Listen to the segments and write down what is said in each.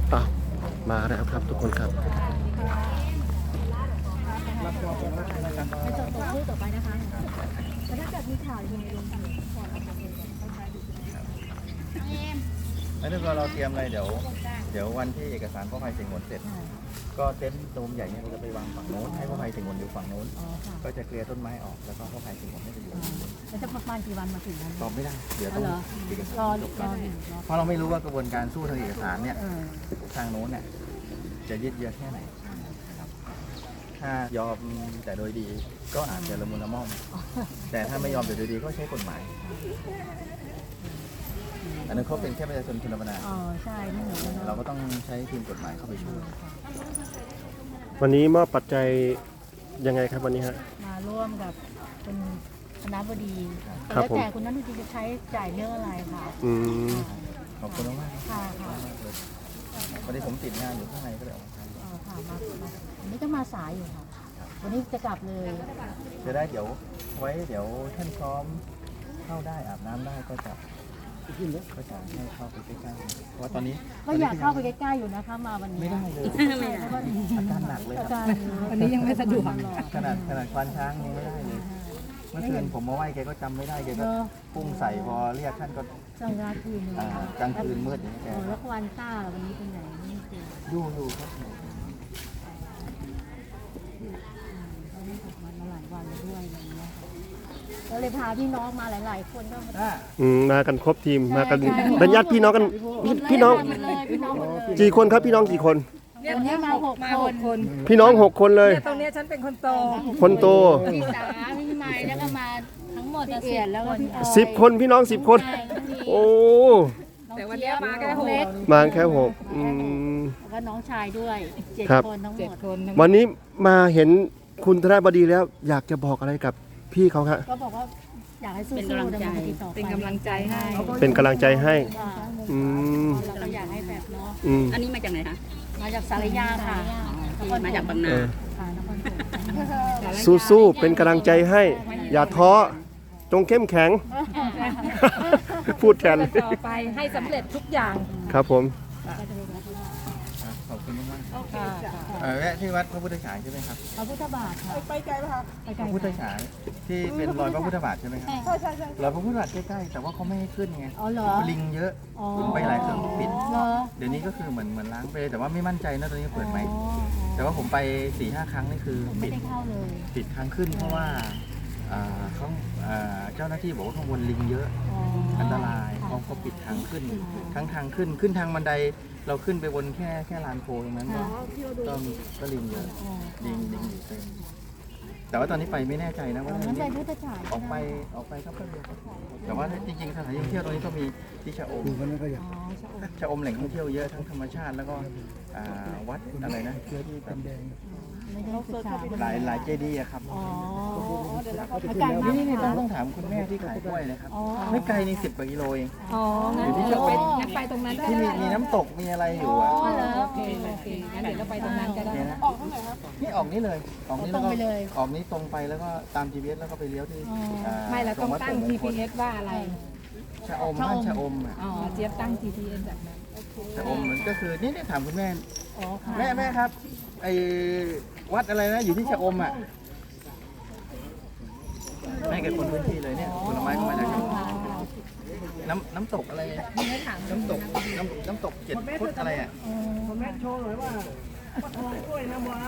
อ่ะมาแล้วครับทุกคนครับไปจดตัวคู่ต่อไปนะคะแต่ถ้าเกิดมีข่าวยังไงลงข่าวก่อนนะคะแล้วถ้าเราเตรียมอะไรเดี๋ยววันที่เอกสารพ่อภัยเสียงหนเสร็จก็เต็นท์โดมใหญ่เนี่ยเราจะไปวางฝั่งโน้นให้พ่อภัยเสียงหนอยู่ฝั่งโน้นก็จะเคลียร์ต้นไม้ออกแล้วก็พ่อภัยเสียงหนให้ไปอยู่แล้วจะประมาณกี่วันมาถึงนั้นตอบไม่ได้เดี๋ยวต้องเอกสารจบก่อนรอเพราะเราไม่รู้ว่ากระบวนการสู้ทางเอกสารเนี่ยทางโน้นเนี่ยจะยืดเยื้อแค่ไหนถ้ายอมแต่โดยดีก็อาจจะละมุนละม่อมแต่ถ้าไม่ยอมแต่โดยดีก็ใช้กฎหมายอันนั้นเขาเป็นแค่ประชาชนคนธรรมดาใช่ไม่เหมือนกันเราก็ต้องใช้ทีมกฎหมายเข้าไปช่วยวันนี้มอบปัจจัยยังไงครับวันนี้ฮะมาร่วมกับคุณคณบดีแล้วแต่คุณนัทจะใช้จ่ายเรื่องอะไรค่ะขอบคุณมากค่ะวันนี้ผมติดงานอยู่ข้างในก็เลยออกมาค่ะวันนี้ก็มาสายอยู่ค่ะวันนี้จะกลับเลยจะได้เดี๋ยวท่านพร้อมเข้าได้อาบน้ำได้ก็จะให้เข้าไปใกล้ๆเพราะตอนนี้ก็อยากเข้าไปใกล้ๆอยู่นะคะมาวันนี้ไม่ได้เลยอาการหนักเลยครับวันนี้ยังไม่สะดวกขนาดควานช้างยังไม่ได้เลยเมื่อคืนผมมาไหว้แกก็จำไม่ได้แกก็พุ่งใส่พอเรียกท่านก็กลางคืนกลางคืนมืดอย่างนี้แกแล้วควานต้าวันนี้เป็นไหนอยู่ครับมาหลายวันแล้วด้วยอะไรเงี้ยก็เลยพาพี่น้องมาหลายๆคนก็มากันครบทีมมากันเป็นญาติพี่น้องกันพี่น้องกี่คนครับพี่น้องกี่คนวันนี้มา6 คนพี่น้อง6 คนเลยตรงนี้ฉันเป็นคนโตคนโตพี่สาพี่ไม้แล้วก็มาทั้งหมด 10 คนพี่น้อง10 คนโอ้แต่วันนี้มาแค่6 มาแค่6 แล้วก็น้องชายด้วย7 คนทั้งหมดวันนี้มาเห็นคุณธนบดีแล้วอยากจะบอกอะไรกับพี่เขาครับก็บอกว่าอยากให้สู้ๆเป็นกำลังใจให้เป็นกำลังใจให้เราก็อยากให้แบบเนาะอันนี้มาจากไหนคะมาจากสารยาค่ะมาจากบางนาสู้ๆเป็นกำลังใจให้อย่าท้อจงเข้มแข็งพูดแทนต่อไปให้สำเร็จทุกอย่างครับผมขอบคุณมากแวะที่วัดพระพุทธฉายใช่ไหมครับพระพุทธบาทค่ะไปไกลไหมครับพระพุทธฉายที่เป็นรอยพระพุทธบาทใช่ไหมครับใช่รอยพระพุทธบาทใกล้ๆแต่ว่าเขาไม่ให้ขึ้นไงลิงเยอะไปหลายเครื่องปิดเดี๋ยวนี้ก็คือเหมือนล้างไปแต่ว่าไม่มั่นใจนะตอนนี้เปิดไหมแต่ว่าผมไป 4-5 ครั้งนี่คือปิดทางขึ้นเพราะว่าเขาเจ้าหน้าที่บอกว่าข้างบนลิงเยอะอันตรายเขาปิดทางขึ้นทั้งทางขึ้นทางบันไดเราขึ้นไปบนแค่ลานโพตรงนั้นก็ลิงเยอะลิงอยู่เต็มแต่ว่าตอนนี้ไปไม่แน่ใจนะว่าออกไปครับแต่ว่าจริงๆสถานที่ท่องเที่ยวตรงนี้ก็มีที่ชะอมแหล่งท่องเที่ยวเยอะทั้งธรรมชาติแล้วก็วัดอะไรนะที่แบบหลายเจดีย์ครับนี่ต้องถามคุณแม่ที่ขายกล้วยนะครับไม่ไกลนี่10 กว่ากิโลเองอยู่ที่จะไปตรงนั้นที่มีน้ำตกมีอะไรอยู่โอเคงั้นเดี๋ยวเราไปตรงนั้นก็ได้ออกเท่าไหร่ครับนี่ออกนี่เลยออกนี่แล้วก็ออกนี่ตรงไปแล้วก็ตาม GPS แล้วก็ไปเลี้ยวที่ไม่เราต้องตั้ง GPS ว่าอะไรชะอมบ้านชะอมเจี๊ยบตั้ง GPS แบบนั้นชะอมมันก็คือนี่ถามคุณแม่แม่ครับไอ้วัดอะไรนะอยู่ที่ชะอมแม่เกิดคนพื้นที่เลยเนี่ยผลไม้ก็มาจากน้ำตกอะไรน้ำตก7 ฟุตอะไรแม่โชว์หน่อยว่ากล้วยน้ำว้า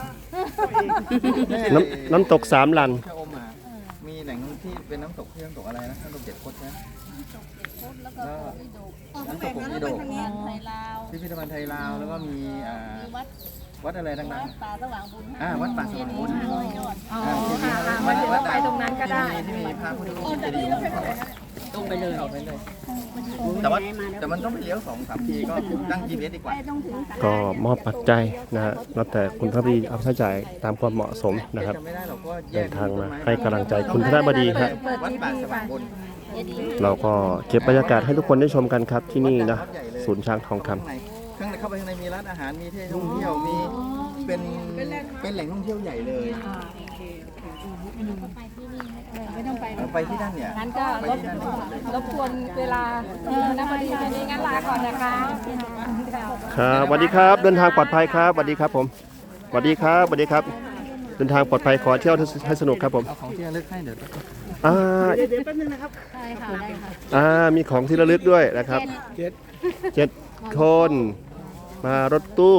น้ำตก3 ลันชะอมมีแหล่งที่เป็นน้ำตกที่น้ำตกอะไรนะน้ำตก7 ฟุตนะแล้วน้ำตกผมมีโดกพิพิธภัณฑ์ไทยลาวแล้วก็มีวัดอะไรดังๆวัดป่าสว่างบุญวัดป่าสว่างบุญวัดไปตรงนั้นก็ได้ที่มีพระพุทธรูปเจดีย์ตรงไปเลยแต่มันต้องไปเลี้ยว2-3 ทีก็ตั้ง GPS ดีกว่าก็มอบปัจจัยนะฮะแล้วแต่คุณธนบดีเอาใช้จ่ายตามความเหมาะสมนะครับเดินทางมาให้กำลังใจคุณธนบดีครับวัดป่าสว่างบุญเราก็เก็บบรรยากาศให้ทุกคนได้ชมกันครับที่นี่นะศูนย์ช้างทองคำข้างในเข้าไปข้างในมีร้านอาหารมีที่ท่องเที่ยวมีเป็นแหล่งท่องเที่ยวใหญ่เลยไม่ต้องไปไปที่นั่นเนี่ยงั้นก็รบกวนเวลาน้ำพอดีนี้งั้นลาก่อนนะคะครับสวัสดีครับเดินทางปลอดภัยครับสวัสดีครับผมสวัสดีครับสวัสดีครับเดินทางปลอดภัยขอเที่ยวให้สนุกครับผมเอาของที่ระลึกให้เดี๋ยวอ่าใช่ค่ะได้ค่ะมีของที่ระลึกด้วยนะครับ7 คนมารถตู้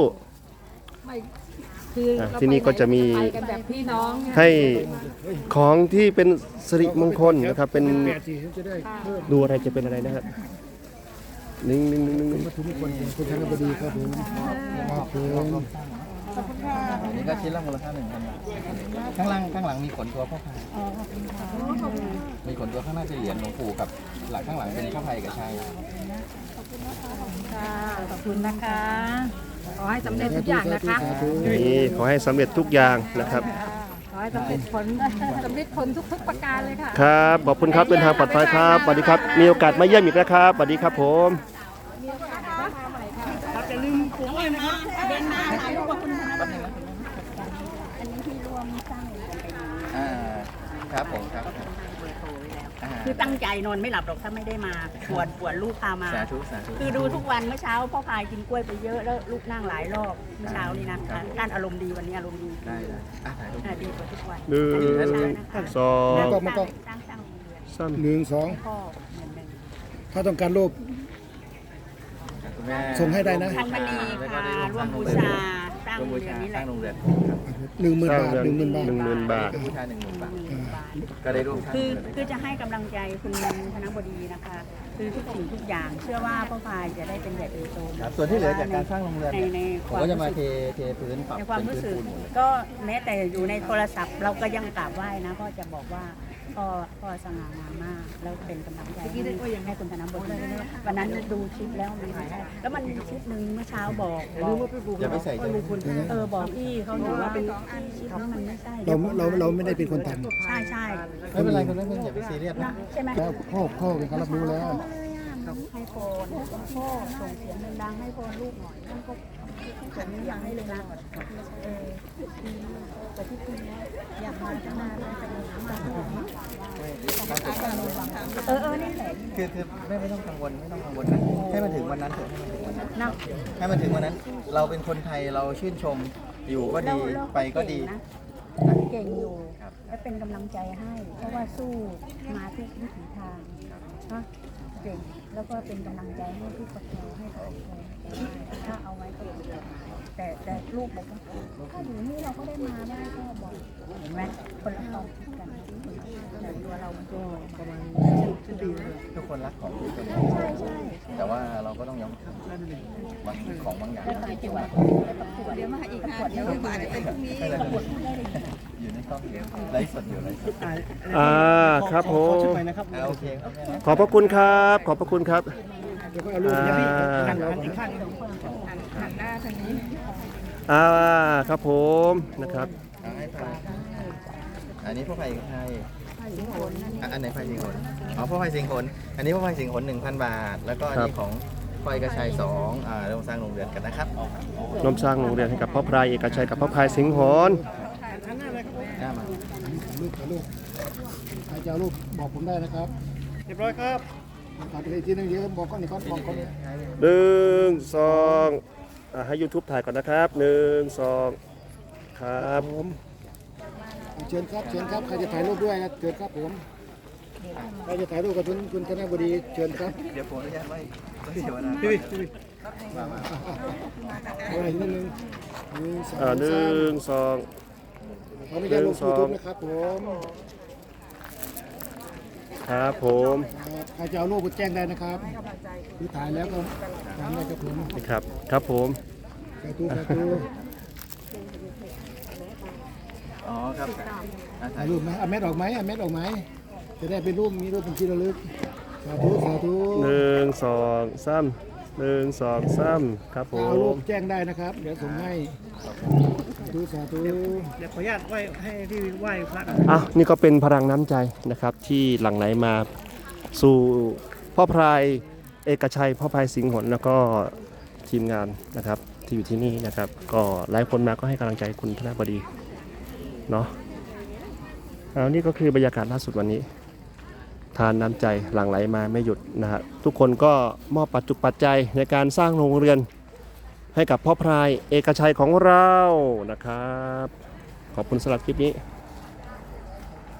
คือที่นี่ก็จะมีไปกันแบบพี่น้องให้ของที่เป็นสิริมงคลนะครับเป็นดูอะไรจะเป็นอะไรนะครับ1 วัตถุมงคลของคุณธนบดีครับผมครับผมอันนี้ก็ชิ้นละมูลค่า1,000 บาทข้างหลังมีขนตัวพ่อพายมีขนตัวข้างหน้าจะเหรียญหลวงปู่กับหลังข้างหลังเป็นพระพายกับชัยค่ะขอบคุณนะคะขอให้สำเร็จทุกอย่างนะคะนี่ขอให้สำเร็จทุกอย่างนะครับขอให้สำเร็จผลทุกๆประการเลยค่ะครับขอบคุณครับเดินทางปลอดภัยครับสวัสดีครับมีโอกาสมาเยี่ยมอีกนะครับสวัสดีครับผมอ่าครับผมครับคือตั้งใจนอนไม่หลับหรอกถ้าไม่ได้มาปวดลูกพามาสาธุคือดูทุกวันเมื่อเช้าพ่อพายกินกล้วยไปเยอะแล้วลูกนั่งหลายรอบเมื่อเช้านี่นะการอารมณ์ดีวันนี้อารมณ์ดีได้ถ่ายรูปดีกว่าทุกวันหนึ่งสองตั้งโรงเรียนสาม 1 2 พ่อเหมือนเดิมถ้าต้องการรูปคุณแม่ส่งให้ได้นะพันมณีค่ะร่วมบูชาสร้างร่วมโรงบูเรียชานนี้แหสร้าละงโรงเรียนครับ 10,000 บาท 10,000 บาทบูชา10,000 บาทก็ได้ร่วมสร้างคือจะให้กำลังใจคุณธนบดีนะคะ คือทุกสิ่งทุกอย่างเชื่อว่าพ่อพายจะได้เป็นใหญ่เป็นโตครับส่วนที่เหลือจากการสร้างโรงเรียนในผคมวามก็จะรู้มาสึกเทพื้นปรับในความเป็นรู้พื้นสึกปูนหมดเลยก็แม้แต่อยู่ในโทรศัพท์ เราก็ยังกราบไหว้นะพ่อจะบอกว่าพ่อสง่างามมากแล้วเป็นกำลังใจให้คุณธนบดีวันนั้นดูคลิปแล้วมันแล้วมันมีคลิปหนึ่งเมื่อเช้าบอกอย่าไปใส่ใจบอกพี่เขาอยู่ว่าเป็นคลิปนี้มันไม่ใช่เราไม่ได้เป็นคนทใช่ใช่ไม่เป็นไรคุณแม่อย่าไปซีเรียสนะใช่ไหมำแล้วพ่อเป็นเขารับรู้แล้วให้โฟนพ่อส่งเสียงดังๆให้โฟนลูกหน่อยนั่นก็ผมอยากให้เลยนะแต่ที่คุณอยากมาตั้งนานเลยแต่มานี่แหละคือไม่ต้องกังวลนะให้มันถึงวันนั้นเถอะให้มันถึงวันนั้นเราเป็นคนไทยเราชื่นชมอยู่ก็ดีไปก็ดีเก่งอยู่และเป็นกำลังใจให้ เพราะว่าสู้มาทุกวิถีทางนะเก่งแล้วก็เป็นกำลังใจให้ทุกประคองให้กับถ้าเอาไว้ก็ดีแต่ลูกบอกว่าถ้าอยู่นี่เราก็ได้มาได้ก็บอกเห็นไหมคนละความคิดกันแต่ตัวเราก็ประมาณทุกคนรักของทุกคนใช่ใช่แต่ว่าเราก็ต้องยอมบางของบางอย่างเดี๋ยวมาอีกค่ะเดี๋ยวอาจจะเป็นพรุ่งนี้อยู่ในกล้องไลฟ์สดอยู่ไลฟ์สดครับผมโอเคขอบพระคุณครับขอบพระคุณครับเดี๋ยวก็เอารูปเนี่ยพี่หันหลังอีกข้างหันหน้าทางนี้ครับผมนะครับให้ฟังอันนี้พ่อไผ่กับไทยอันไหนไผ่สิงห์หนอ๋อพ่อไผ่สิงห์หนอันนี้พ่อไผ่สิงห์หน 1,000 บาท แล้วก็อันนี้ของไผ่กระชัย2ร่วมสร้างโรงเรียนกันนะครับร่วมสร้างโรงเรียนให้กับพ่อพรายเอกชัยกับพ่อพรายสิงห์หนหน้ามารูปถ่ายรูปใครจะเอารูปบอกผมได้นะครับเรียบร้อยครับถ่ายไปอีกทีนึงเดี๋ยวบอกก้อนอีกก้อนบอกก้อน 1 2ให้ YouTube ถ่ายก่อนนะครับ1 2ครับผมเชิญครับใครจะถ่ายรูปด้วยนะเชิญครับผมใครจะถ่ายรูปกับคุณธนบดีเชิญครับเดี๋ยวผมอนุญาตไว้เดี๋ยวนะเอาอะไรนิดนึง1 2 1 2 เขาไม่ได้ลงยูทูบนะครับผมครับผมใครจะเอารูปก็แจ้งได้นะครับคือถ่ายแล้วก็ถ่ายได้ครับผมนี่ครับครับผมสาธุอ๋อครับถ่ายรูปไหมเอาเม็ดออกไหมจะได้เป็นรูปมีรูปเป็นที่ระลึกสาธุ 1 2 3 1 2 3ครับผเอารูมปแจ้งได้นะครับเดี๋ยวส่งให้สาธุเดี๋ยวขออนุญาตไหว้ให้ที่ไหว้พระก่อนนี่ก็เป็นพลังน้ำใจนะครับที่หลั่งไหลมาสู่พ่อพรายเอกชัยพ่อพรายสิงห์หนแล้วก็ทีมงานนะครับที่อยู่ที่นี่นะครับ ก็หลายคนมาก็ให้กำลังใจคุณธนบดีเนาะนี่ก็คือบรรยากาศล่าสุดวันนี้ ทานน้ำใจหลั่งไหลมาไม่หยุดนะฮะทุกคนก็มอบปัจจุปัจจัยในการสร้างโรงเรือนให้กับพ่อพรายเอกชัยของเรานะครับ ขอบคุณสำหรับคลิปนี้